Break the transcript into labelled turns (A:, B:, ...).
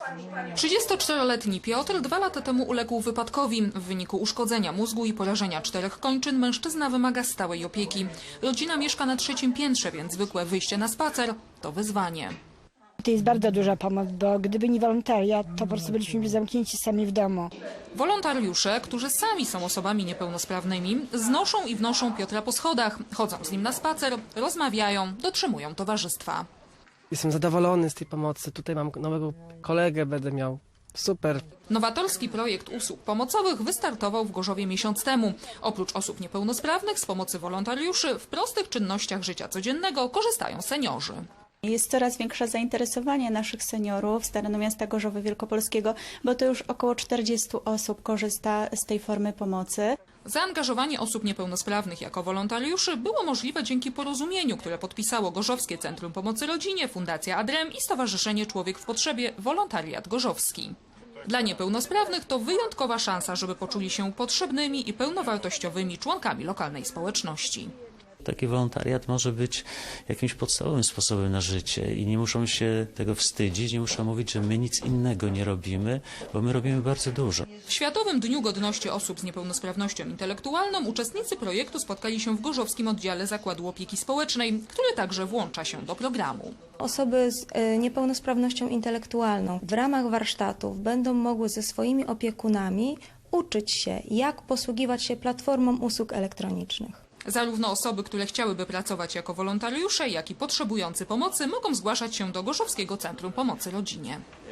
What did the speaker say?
A: 34-letni Piotr 2 lata temu uległ wypadkowi. W wyniku uszkodzenia mózgu i porażenia 4 kończyn mężczyzna wymaga stałej opieki. Rodzina mieszka na 3. piętrze, więc zwykłe wyjście na spacer to wyzwanie.
B: To jest bardzo duża pomoc, bo gdyby nie wolontariat, to po prostu byliśmy zamknięci sami w domu.
A: Wolontariusze, którzy sami są osobami niepełnosprawnymi, znoszą i wnoszą Piotra po schodach, chodzą z nim na spacer, rozmawiają, dotrzymują towarzystwa.
C: Jestem zadowolony z tej pomocy. Tutaj mam nowego kolegę, będę miał. Super.
A: Nowatorski projekt usług pomocowych wystartował w Gorzowie miesiąc temu. Oprócz osób niepełnosprawnych z pomocy wolontariuszy w prostych czynnościach życia codziennego korzystają seniorzy.
D: Jest coraz większe zainteresowanie naszych seniorów z terenu miasta Gorzowa Wielkopolskiego, bo to już około 40 osób korzysta z tej formy pomocy.
A: Zaangażowanie osób niepełnosprawnych jako wolontariuszy było możliwe dzięki porozumieniu, które podpisało Gorzowskie Centrum Pomocy Rodzinie, Fundacja ADREM i Stowarzyszenie Człowiek w Potrzebie Wolontariat Gorzowski. Dla niepełnosprawnych to wyjątkowa szansa, żeby poczuli się potrzebnymi i pełnowartościowymi członkami lokalnej społeczności.
E: Taki wolontariat może być jakimś podstawowym sposobem na życie i nie muszą się tego wstydzić, nie muszą mówić, że my nic innego nie robimy, bo my robimy bardzo dużo.
A: W Światowym Dniu Godności Osób z Niepełnosprawnością Intelektualną uczestnicy projektu spotkali się w gorzowskim oddziale Zakładu Opieki Społecznej, który także włącza się do programu.
F: Osoby z niepełnosprawnością intelektualną w ramach warsztatów będą mogły ze swoimi opiekunami uczyć się, jak posługiwać się platformą usług elektronicznych.
A: Zarówno osoby, które chciałyby pracować jako wolontariusze, jak i potrzebujący pomocy mogą zgłaszać się do Gorzowskiego Centrum Pomocy Rodzinie.